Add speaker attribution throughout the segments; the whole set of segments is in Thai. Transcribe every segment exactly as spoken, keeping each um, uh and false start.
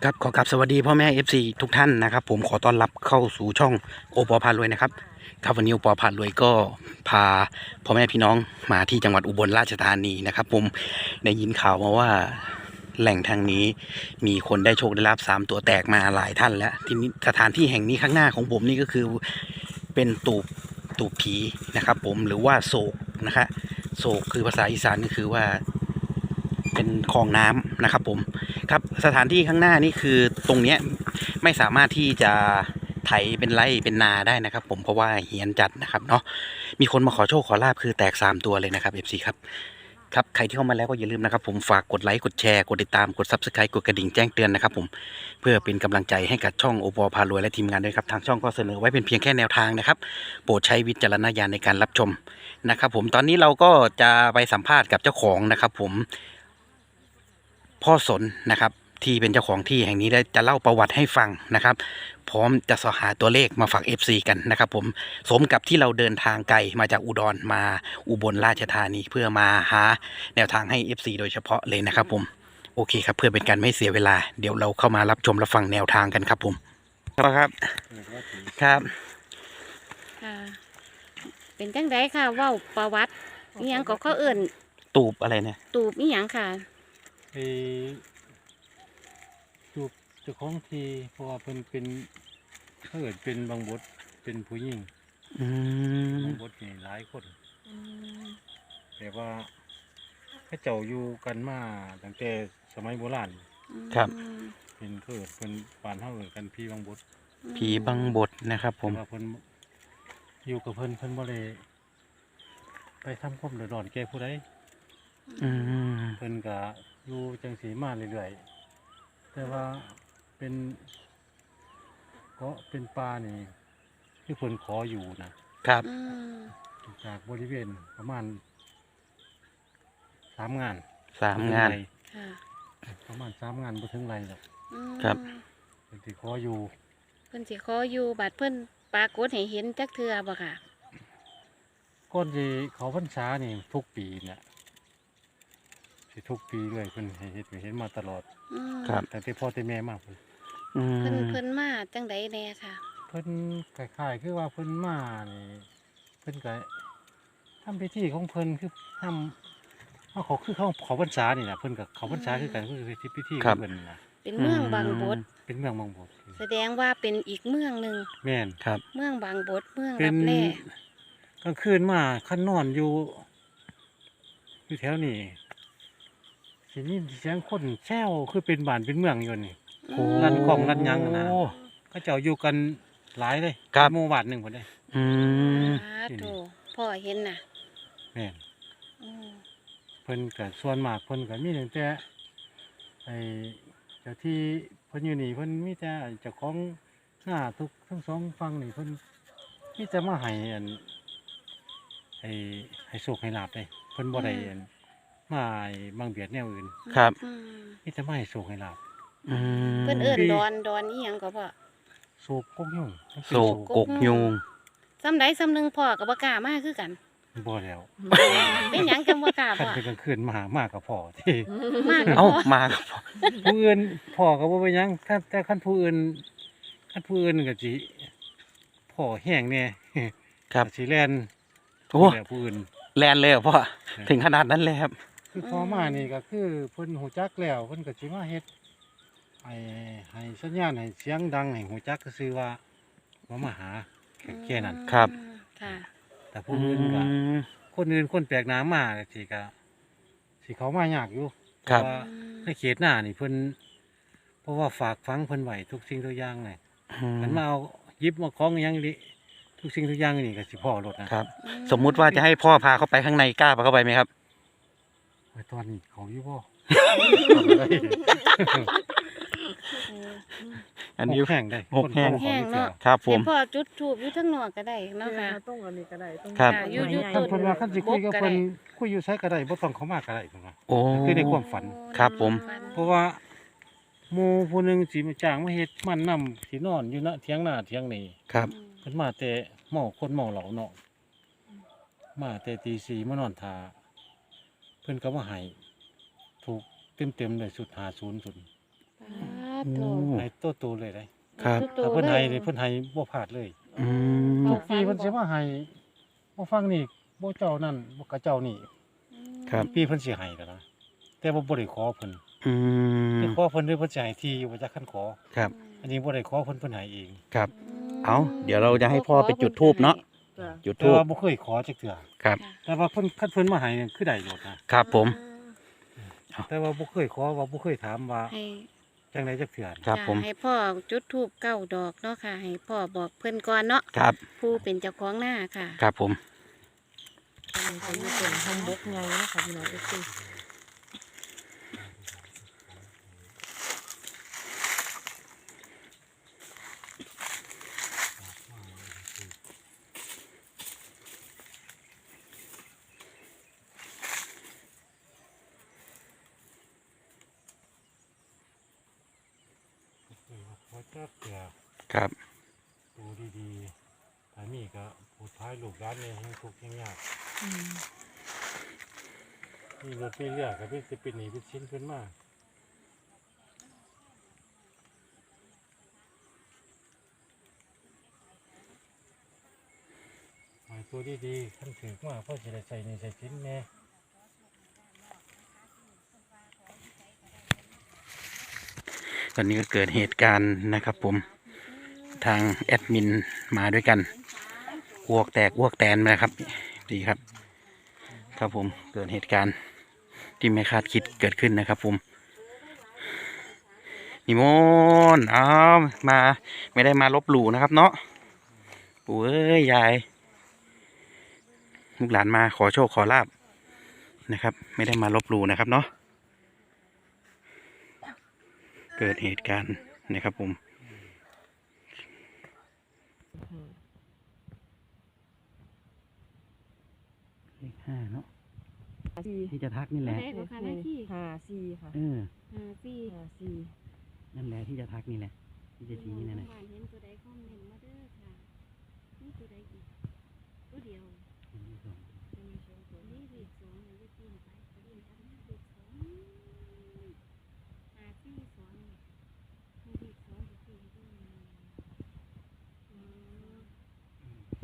Speaker 1: ครับขอกราบสวัสดีพ่อแม่ เอฟ ซี ทุกท่านนะครับผมขอต้อนรับเข้าสู่ช่องโอปอพารวยนะครับครับวันนี้โอปอพารวยก็พาพ่อแม่พี่น้องมาที่จังหวัดอุบลราชธานีนะครับผมได้ยินข่าวมาว่าแหล่งทางนี้มีคนได้โชคได้ลาภสามตัวแตกมาหลายท่านแล้วที่นี้สถานที่แห่งนี้ข้างหน้าของผมนี่ก็คือเป็นตูบตูบผีนะครับผมหรือว่าโศกนะครับโศกคือภาษาอีสานก็คือว่าเป็นคลองน้ำนะครับผมครับสถานที่ข้างหน้านี่คือตรงเนี้ยไม่สามารถที่จะไถเป็นไร่เป็นนาได้นะครับผมเพราะว่าเฮียนจัดนะครับเนาะมีคนมาขอโชคขอลาบคือแตกสามตัวเลยนะครับ เอฟ ซี ครับครับใครที่เข้ามาแล้วก็อย่าลืมนะครับผมฝากกดไลค์กดแชร์กดติดตามกด ซับสไครบ์ กดกระดิ่งแจ้งเตือนนะครับผมเพื่อเป็นกำลังใจให้กับช่องโอปอพารวยและทีมงานด้วยครับทางช่องก็เสนอไว้เป็นเพียงแค่แนวทางนะครับโปรดใช้วิจารณญาณในการรับชมนะครับผมตอนนี้เราก็จะไปสัมภาษณ์กับเจ้าของนะครับผมพ่อสนนะครับที่เป็นเจ้าของที่แห่งนี้ได้จะเล่าประวัติให้ฟังนะครับพร้อมจะสอหาตัวเลขมาฝาก เอฟ ซี กันนะครับผมสมกับที่เราเดินทางไกลมาจากอุดรมาอุบลราชธานีเพื่อมาหาแนวทางให้ เอฟ ซี โดยเฉพาะเลยนะครับผมโอเคครับเพื่อเป็นการไม่เสียเวลาเดี๋ยวเราเข้ามารับชมรับฟังแนวทางกันครับผมครับครับ
Speaker 2: ค่ะเป็นจังไดค่ะเว้าประวัติอิหยังก็เขาเอิ่น
Speaker 1: ตูบอะไรเนี่ย
Speaker 2: ตูบอิหยังค่ะ
Speaker 3: ไปจูบเจ้าของทีเพราะว่าเพิ่นเป็นเขาเอิ้นเป็นบางบทเป็นผู้หญิง
Speaker 1: อืม
Speaker 3: บางบทนี่หลายคนแต่ว่าเขาเจ้าอยู่กันมาตั้งแต่สมัยโบราณ
Speaker 1: ครับ
Speaker 3: เป็นเขาเอิ้นเพิ่นบ้านเฮาเอิ้นกันพี่บางบท
Speaker 1: ผีบังบทนะครับผม
Speaker 3: แต่ว่าเพิ่นอยู่กับเพิ่นเพิ่นบ่ได้ไปทำความเดือดร้อนแก่ผู้ใด
Speaker 1: อืม
Speaker 3: เพิ่นก็อยู่จังสีมาเรื่อยๆแต่ว่าเป็นก็เป็นป่านี่ที่เพิ่นขออยู่นะครับจากบริเวณประมาณสามงาน
Speaker 1: สามงาน
Speaker 3: ประมาณสามงานบ่ถึงไรหรอก
Speaker 1: ครับ
Speaker 3: เพิ่นสิขออยู่
Speaker 2: เพิ่นสิขออยู่บัดเพิ่นปรากฏให้เห็นจักเทื่อบ่ค่ะ
Speaker 3: ก่อนสิเขาพรรษานี่ทุกปีเนี่ยสิทุกปีเลยเพิ่นให้เฮ็ดให้เห็นมาตลอด
Speaker 1: ครับ
Speaker 3: แต่ที่พ่อที่แม่มาเพิ่น
Speaker 2: เพิ่นเพิ่นมาจังไดแน่ค่ะ
Speaker 3: เพิ่นคล้ายๆคือว่าเพิ่นมานี่เพิ่นก็ทำพิธีของเพิ่นคือทำเขาเขาคือเขาเขาพรรษานี่นะเพิ่นกับเขาพรรษาคือกันคือพิธีของเพิ่นนะ
Speaker 2: เป็นเมืองบางบท
Speaker 3: เป็นเมืองบางบท
Speaker 2: แสดงว่าเป็นอีกเมืองหนึ่ง
Speaker 3: แม่น
Speaker 1: ครับ
Speaker 2: เมืองบางบทเมืองรับแล
Speaker 3: กลางคืนมาคันนอนอยู่อยู่แถวนี้สิยินเสียงคนแซวคือเป็นบ้านเป็นเมืองอยู่นี่รันกองรันยังนะเขาเจ้าอยู่กันหลายเลยหมู่บ้านหนึ่งคนได้
Speaker 1: อืม
Speaker 2: โธ่พ่อเห็นน่ะ
Speaker 3: แม่นเพิ่นกับส่วนมากเพิ่นกับมีตั้งแต่ไอ้เจ้าที่เพิ่นอยู่นี่เพิ่นมีแต่เจ้าของหน้าทุกทั้งสองฝั่งนี่เพิ่นมีแต่มาให้อันไอ้ให้โชคให้ลาภเลยเพิ่นบ่ได้อันมาบางเบียดแนวอื่น
Speaker 1: ครับ
Speaker 3: มีแต่มาให้โชคให้ลาภ
Speaker 2: เพิ่นเอิ้นดอนดอนอีหยังก็พ่อ
Speaker 3: โศกกกยุง
Speaker 1: โศกกกยุง
Speaker 2: ซ้ำใดซ้ำหนึ่งพ่อกับบ่กล้ามาคือกัน
Speaker 3: บ่แล้ว
Speaker 2: เป็นหยังจังบ่กล้าพ่อ
Speaker 3: คันเป็นกลางคืนมามากับพ่อที่
Speaker 2: มา
Speaker 1: เอ้ามากับพ่อ
Speaker 3: ผู้อื่นพ่อก็บ่เป็นหยังถ้าแต่คันผู้อื่นคันผู้อื่นก็สิพ่อแห้งแน่
Speaker 1: ครับ
Speaker 3: สิแล่น
Speaker 1: โอ้
Speaker 3: ผู้อื่น
Speaker 1: แลนเลยเหรอพ่อถึงขนาดนั้นเลยครับ
Speaker 3: คือพ่อมานี่ก็คือเพิ่นหูจักแล้วเพิ่นก็สิมาเฮ็ดให้ให้สัญญาณให้เสียงดังให้หูจักก็คือว่าว่ามาหาแค่นั้น
Speaker 1: ครับ
Speaker 2: ค่ะ
Speaker 3: แต่ผู้อื่นก็คนอื่นคนแปลกหน้ามาก็สิก็สิเขามายากอยู่เพราะว่าในเขตหน้านี่เพิ่นเพราะว่าฝากฝังเพิ่นไว้ทุกสิ่งทุกอย่างเลยมันมาเอายิบมาคล้องอย่างนี้ทุกสิ่งทุกอย่างนี่ก็สิพ่อรถนะครับ
Speaker 1: สมมุติว่าจะให้พ่อพาเข้าไปข้างในกล้าพาเข้าไปไหมครับ
Speaker 3: ไว้ตอนนี้เขาอยู่บ่
Speaker 1: อันนี้
Speaker 3: แห้งได้
Speaker 1: หกแห้ง
Speaker 2: แห้งเนาะ
Speaker 1: ครับผม
Speaker 2: พ่อจุดทูบอยู่ทั้งนอกก็ได้เนาะค่ะ
Speaker 4: ต้องอันนี้ก็ได้ต้อง
Speaker 1: ครับ
Speaker 2: อยู่อยู่
Speaker 3: ต้นเพิ่นว่าคันสิคุยกับเพิ่นคุยอยู่ไสก็ได้บ่ต้องเข้ามาก็ได้เพิ่นว่า
Speaker 1: โอ้
Speaker 3: คือในความฝัน
Speaker 1: ครับผม
Speaker 3: เพราะว่าหมู่ผู้นึงสิมาจ้างมาเฮ็ดมันนำสินอนอยู่ณเถียงหน้าเถียงนี่
Speaker 1: ครับ
Speaker 3: เพิ่นมาแต่เมาคนเมาเหล้าเนาะมาแต่ตีสี่มานอนท่าเพิ่นก็มาให้ถูกเต็มๆเลยสุดห้าสิบสุด
Speaker 2: โถ
Speaker 3: ให้ตัวโตเลยได้
Speaker 1: ครับ
Speaker 2: โต
Speaker 3: ถ้าเพิ่น
Speaker 2: เล
Speaker 3: ให้
Speaker 2: ย
Speaker 3: นี่เพิ่นให้บ่พลาดเลย
Speaker 1: อืม
Speaker 3: ทุกปีเพิ่นสิมาให้บ่ฟังนี่บ่เจ้านั่นบ่กะเจ้านี่
Speaker 1: ครับ
Speaker 3: ปีเพิ่นสิให้แล้วนะแต่ว่าบ่ได้ขอเพิ่น
Speaker 1: อืม
Speaker 3: ที่ขอเพิ่นหรือเพิ่นสิให้ที่อยู่บ่จักคันขอ
Speaker 1: ครับ
Speaker 3: อันนี้บ่ได้ขอเพิ่นเพิ่นให้เอง
Speaker 1: ครับ เอาเดี๋ยวเราจะให้พ่อไปจุดธูปเนาะ
Speaker 4: จ้ะ
Speaker 1: จุด
Speaker 3: แต่
Speaker 1: ธูป
Speaker 3: ว่าบ่เคยขอจักเทื่อ
Speaker 1: ครับ
Speaker 3: แต่ว่าเพิ่นคันเพิ่นมาให้นี่คือได้โลดนะครับ
Speaker 1: ผม
Speaker 3: แต่ว่าบ่เคยขอว่าบ่เคยถามว่า
Speaker 2: ให้
Speaker 3: จังไดจักเทื่อ
Speaker 1: ครับ
Speaker 2: จ้ะ
Speaker 1: ผม
Speaker 2: ให้พ่อจุดธูปเก้าดอกเนาะค่ะ ให้พ่อบอกเพิ่นก่อนเนาะ
Speaker 1: ครับ
Speaker 2: ผู้เป็นเจ้าของหน้าค่ะ
Speaker 1: ครับผม
Speaker 4: อันนี้ก็อยู่เป็นห้องบกไงนะคะพี่น้องเอฟซี
Speaker 3: ขอจักเทื่อ
Speaker 1: ครับ
Speaker 3: ดูดีๆถ้ามีก็ผู้ท้ายลูกหลานนี่ให้ทุกข์ให้ยากมีรถมีเรือก็เป็นสิเป็นหนี้เป็นชิ้นขึ้นมาหายตัวดีๆคันถือมาเพราะจะได้ใส่ในใส่ชิ้นแน่
Speaker 1: ตอนนี้ก็เกิดเหตุการณ์นะครับผม ทางแอดมินมาด้วยกันอ้วกแตกอ้วกแตนนะครับ ดีครับ ครับผม เกิดเหตุการณ์ที่ไม่คาดคิดเกิดขึ้นนะครับผม นิมนต์อ้าวมาไม่ได้มาลบหลู่นะครับเนาะปู่เอ้ยยายลูกหลานมาขอโชคขอลาบนะครับ ไม่ได้มาลบหลู่นะครับเนาะเกิดเหตุการณ์นะครับผมเลขห้าเนาะ
Speaker 4: สี่
Speaker 1: ที่จะทักนี่แหละ
Speaker 2: ได้บ่คะหน้าที่
Speaker 4: ห้าสี่ค่ะ
Speaker 1: เออ
Speaker 2: ห้าสี่
Speaker 4: ห้าสี่
Speaker 1: นั่นแหละที่จะทักนี่แหละ ที่จะชี้นั่นแหละ
Speaker 2: บ้านเห็นตัวใดคอมเมนต์มาเด้อค่ะนี่ตัวใดอีกตัวเดียวนี่เลขสองเลยจะปีนไปปีนกันเลขสองห้าสี่สองนี่เลขสองจะปีนด้วยอืม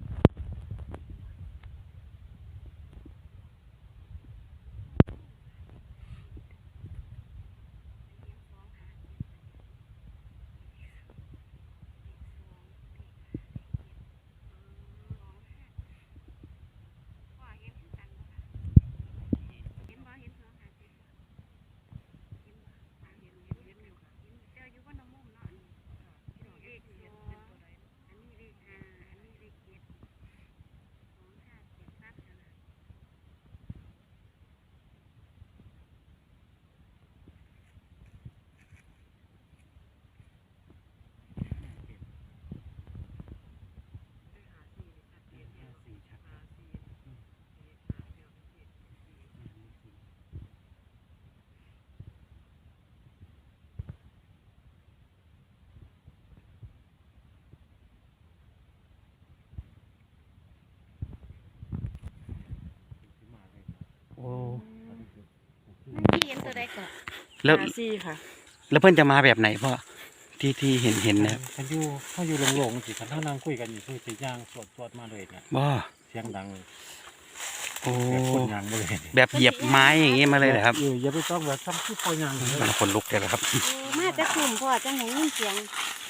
Speaker 1: โอ้
Speaker 2: ไม่เห็นตัวใดก่อน
Speaker 1: แล้ว
Speaker 4: ห้าสี่ค่ะ
Speaker 1: แล้วเพื่อนจะมาแบบไหนพ่อที่ที่เห็นเห็นนะครับ
Speaker 3: คันอยู่เขาอยู่โล่งๆสิคันเท่านั่งคุยกันอยู่คือสิย่างสวดสวดมาเลยเนี่ย
Speaker 1: บ่า
Speaker 3: เสียงดังเลย
Speaker 1: โอ้
Speaker 3: แบบคนยางมาเลย
Speaker 1: แบบเหยียบไม้อย่างงี้มาเลยเหรอครับ
Speaker 3: เอออย่าไปต้องแบบทำที่ปล่อยยางเลย
Speaker 1: มันคนลุกเลยเหรอครับ
Speaker 2: โอ้มาจากกลุ่มพ่อจังไหนยินเสียง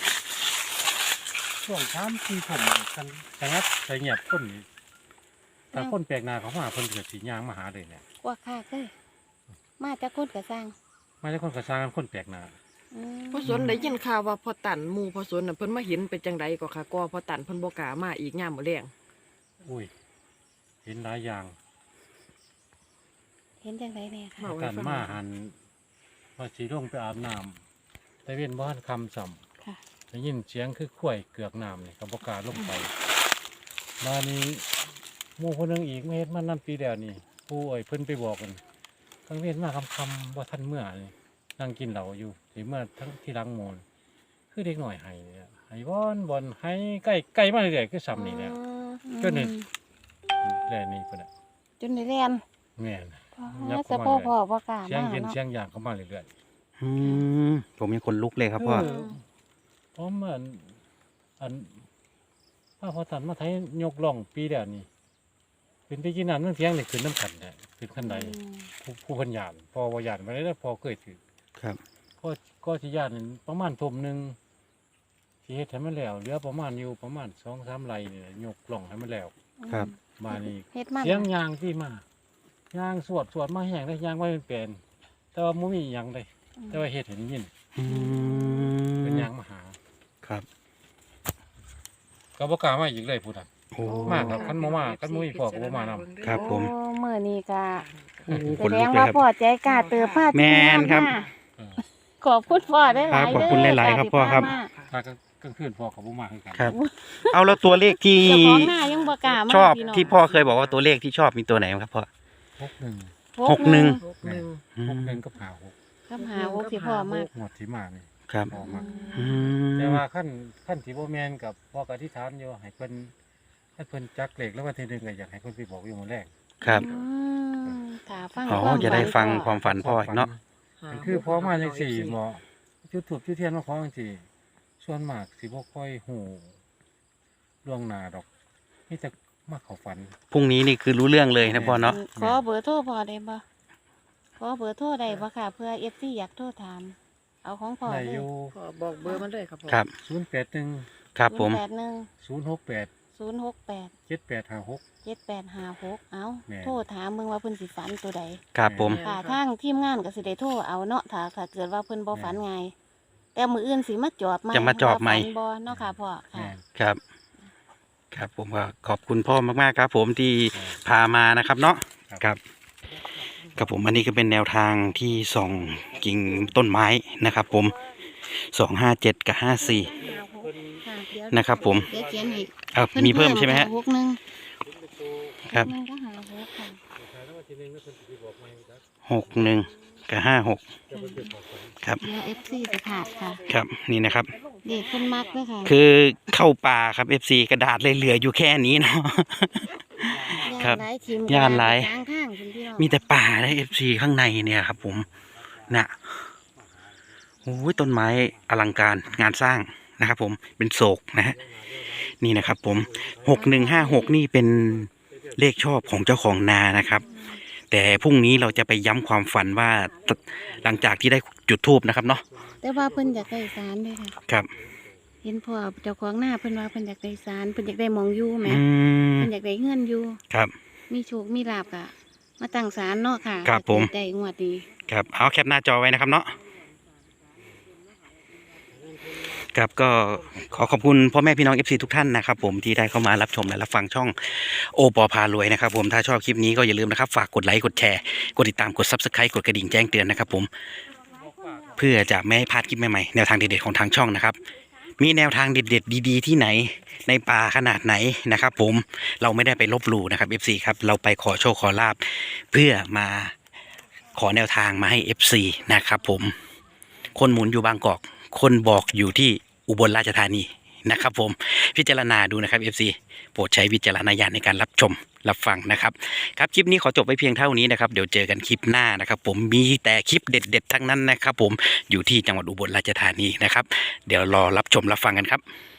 Speaker 3: ช่วงสามสี่ผมกันสงัดใส่เงียบคนนี่ถ้าคนแปลกหน้าเขามาเพิ่นเกิดสียางมาหาเลยเนี่ย
Speaker 2: กว่าค่าเลยมาจากคนกระซัง
Speaker 3: ไม่ใช่คนกระซ้างคนแปลกหน้า
Speaker 2: อืม
Speaker 4: พอสนได้ยินข่าวว่าพอตันหมู่พอสนน่ะเพิ่นมาเห็นเป็นจังไดก็ค่ะก็พอตันเพิ่นบ่กล้ามาอีกยามมื้อแลง
Speaker 3: อุ้ยเห็นหลายอย่าง
Speaker 2: เห็นจังไดแน่ค่ะ
Speaker 4: เว้าให้
Speaker 3: กัน
Speaker 4: ฟัง
Speaker 3: มาหันว่าสีลงไปอาบน้ำแต่เว้นบ้านคำสัม
Speaker 2: ค่ะ
Speaker 3: ได้ยินเสียงคือข่วยเกือกน้ำนี่กับบกล้าลงไปมานี้หมู่คนหนึงอีกไม่เห็นมันนั่นปีแล้วนี่ผู้เอ่ยเพิ่นไปบอกกันกลางเว้นมาคำคำๆว่าท่านเมื่อนี่นั่งกินเหล้าอยู่ที่เมื่อทั้งที่รังโมนคือเด็กหน่อยไห้เนี่ยไห้บอนบอนไห้ใกล้ใกล้มาเรื่อยๆคือซ้ำนี่แหละ ก็นี่ แล่นี่เพิ่นน่ะ
Speaker 2: จนได้เรียน
Speaker 3: แม่น
Speaker 2: อ๋อสะโพกพ่อบ่กล้า
Speaker 3: เสียง
Speaker 2: มา
Speaker 3: เย็น
Speaker 2: เนาะ
Speaker 3: เสียงยางเข้ามาเรื่อย
Speaker 1: อืมมผมยังคนลุกเลยครับพ่อ
Speaker 3: เออพร้อมอันอันป้าพอตันมาไทยยกล่องปีเดียวนี่เป็นไปกินน้ำนั่งเสียงนี่ขึ้นน้ำขันเนี่ยขึ้นขันใดผู้ผู้พันยานพอวายานมาได้แล้วพอเคยถือ
Speaker 1: ครับ
Speaker 3: ก็ก็สิยานนี่ประมาณทุ่มหนึ่งสิเฮ็ดให้มันแล้วเหลือประมาณอยู่ประมาณสองสามไรเนี่ยยกล่องให้มันแล้ว
Speaker 1: ครับ
Speaker 3: มานี่
Speaker 2: เฮ็ดมา
Speaker 3: เสียงยางที่มายางสวดสวดมาแห้งได้ยางไว้เป็นเป็นแต่ว่ามุมีหยังเลยแต่ว่าเฮ็ดเห็นยิน
Speaker 1: อื
Speaker 3: เป็น
Speaker 1: ม
Speaker 3: ยางมาหา
Speaker 1: ครับ
Speaker 3: ก็บ่กล้ามาอีกเลยพูดอ่ะ
Speaker 1: โอ้
Speaker 3: มากครับ คันบ่มาคันบ่มีพ่อก็บ่มาน
Speaker 1: ครับผม
Speaker 2: โอ้มื้อนี้ก็
Speaker 1: โอ้
Speaker 2: แส
Speaker 1: คน
Speaker 2: ด
Speaker 1: ลุ
Speaker 2: ง
Speaker 1: กเลย
Speaker 2: ว่า
Speaker 1: ครับ
Speaker 2: พ่อใจกล้าเติบพา
Speaker 1: แม่นครับ
Speaker 3: เออ
Speaker 2: ขอบคุณพ่อได้หลาย
Speaker 1: ครับขอบคุณหลายๆครับพ่อครับ
Speaker 3: ถ้ากลางคืนพ่อก็บ่มาคือกัน
Speaker 1: ครับ เอาแล้วตัวเลขที่
Speaker 2: เจ้าของหน้ายังบ่กล้ามา
Speaker 1: ชอบ
Speaker 2: พี่น้ง
Speaker 1: ที่พ่อเคยบอกว่าตัวเลขที่ชอบมีตัวไหนบ้างครับพ่อ
Speaker 3: หกหนึ่ง
Speaker 1: หกหนึ่ง
Speaker 4: หกหนึ่ง
Speaker 1: อื
Speaker 3: หก
Speaker 1: ม
Speaker 3: หนึ่งกับห้าหก
Speaker 2: กับหาโอ้ที่พ่อมาก
Speaker 3: หมดที่มานี่
Speaker 1: ครับ
Speaker 3: พ่อมา
Speaker 1: อืม
Speaker 3: แต่ว่าขั้นขั้นที่บ่แม่นกับพ่อก็อธิษฐานอยู่ให้เพิ่นให้เพิ่นจักเลขแล้ววันที่หนึ่งก็อยากให้เพิ่นไปบอกอยู่มื้อแรก
Speaker 1: ครับ
Speaker 2: อืมค่ะฟัง
Speaker 1: อ๋อ
Speaker 2: ความ
Speaker 1: จะได้ฟัง
Speaker 2: พ่อ
Speaker 1: ความฝันพ่ออีกเนาะ
Speaker 3: มันคือพอมาจังสี่หมอจุดถูกจุดเทียนมาขอจังสี่ส่วนมากสิบ่ค่อยหูล่วงหน้าดอกมีแต่มาเข้าฝัน
Speaker 1: พรุ่งนี้นี่คือรู้เรื่องเลยนะพ่อเนาะ
Speaker 2: ขอเบอร์โทรพ่อได้บ่ขอเบอร์โทรได้บ่ค่ะเพื่อ เอฟ ซี อยากโทรถาม เอาของพ่อ
Speaker 3: ได้
Speaker 2: เล
Speaker 3: อย ยู่
Speaker 4: ขอบอกเบอร์มันเลยครับผม
Speaker 1: ครับ
Speaker 3: ศูนย์แปดหนึ่ง
Speaker 1: ครับผม
Speaker 2: แปดหนึ่ง
Speaker 3: ศูนย์หกแปด
Speaker 2: ศูนย์หกแปด
Speaker 3: เจ็ดแปดห้าหก
Speaker 2: เจ็ดแปดห้าหกเอา
Speaker 3: แม่น
Speaker 2: โทรถามมึงว่าเพิ่นสิฝันตัวใด
Speaker 1: ครับผม
Speaker 2: ค่ะทางทีมงานก็สิได้โทรเอาเนาะถ้าถ้าเกิดว่าเพิ่นบ่ฝันไงายแต่มื้ออื่นสิมาจอบใหม่
Speaker 1: จะมาจอบใหม่
Speaker 2: ว่าฝันบ่เนาะค่ะพ่อค่ะ
Speaker 3: แม่น
Speaker 1: ครับ ครับผมก็ขอบคุณพ่อมากๆครับ ผมที่พามานะครับเนาะครับครับผมอันนี้ก็เป็นแนวทางที่ส่องกิ่งต้นไม้นะครับ ผมสองห้าเจ็ดกับห้าสี่
Speaker 2: ค่ะเดี๋ยว
Speaker 1: นะครับ ผม
Speaker 2: เดี๋ยวเขียนให้
Speaker 1: เอามีเพิ่มใช่ไหมฮะ
Speaker 2: หกหนึ่ง
Speaker 1: ครับ
Speaker 2: หกหนึ่งก็หาหกค่ะ
Speaker 1: หกหนึ่งกับห้าหกครับ
Speaker 2: เดี๋ยว เอฟ ซี จะขาดค่ะ
Speaker 1: ครับนี่นะครับ
Speaker 2: เด็กคนมักด้วยค่ะ
Speaker 1: คือเข้าป่าครับ เอฟ ซี กระดาษเลยเหลืออยู่แค่นี้เนาะ ครับ
Speaker 2: ย่านหลายทีม
Speaker 1: ย่านหลาย
Speaker 2: กลางข้างคุณพี่น้อง
Speaker 1: มีแต่ป่าและ เอฟ ซี ข้างในเนี่ยครับ ผมนะโอ้ยต้นไม้อลังการงานสร้างนะครับ ผมเป็นโศกนะฮะนี่นะครับ ผมหกหนึ่งห้าหกนี่เป็นเลขชอบของเจ้าของนานะครับ แต่พรุ่งนี้เราจะไปย้ำความฝันว่าหลังจากที่ได้จุดธูปนะครับเนาะ
Speaker 2: แต่ว่าเพิ่นอยากได้สารด้วยค่ะ
Speaker 1: ครับ
Speaker 2: เห็นพ่อเจ้าของหน้าเพิ่นว่าเพิ่นอยากได้สารเพิ่นอยากได้หมองอยู่แหม
Speaker 1: อืม
Speaker 2: เพิ่นอยากได้เงินอยู่
Speaker 1: ครับ
Speaker 2: มีโชคมีลาบค่ะ มาตั้งศาลเนาะค่ะ
Speaker 1: ครับผม
Speaker 2: ได้งวดนี้
Speaker 1: ครับเอาแคปหน้าจอไว้นะครับเนาะครับก็ขอขอบคุณพ่อแม่พี่น้อง เอฟ ซี ทุกท่านนะครับผมที่ได้เข้ามารับชมและรับฟังช่องโอปอพารวยนะครับผมถ้าชอบคลิปนี้ก็อย่าลืมนะครับฝากกดไลค์กดแชร์กดติดตามกด ซับสไครบ์ กดกระดิ่งแจ้งเตือนนะครับผมเพื่อจะไม่ให้พลาดคลิปใหม่ๆแนวทางเด็ดๆของทางช่องนะครับมีแนวทางเด็ดๆดีๆที่ไหนในป่าขนาดไหนนะครับผมเราไม่ได้ไปลบหลู่นะครับ เอฟ ซี ครับเราไปขอโชคขอลาบเพื่อมาขอแนวทางมาให้ เอฟ ซี นะครับผมคนหมุนอยู่บางกอกคนบอกอยู่ที่อุบลราชธานีนะครับผมพิจารณาดูนะครับ เอฟ ซี โปรดใช้วิจารณญาณในการรับชมรับฟังนะครับครับคลิปนี้ขอจบไว้เพียงเท่านี้นะครับเดี๋ยวเจอกันคลิปหน้านะครับผมมีแต่คลิปเด็ดๆทั้งนั้นนะครับผมอยู่ที่จังหวัดอุบลราชธานีนะครับเดี๋ยวรอรับชมรับฟังกันครับ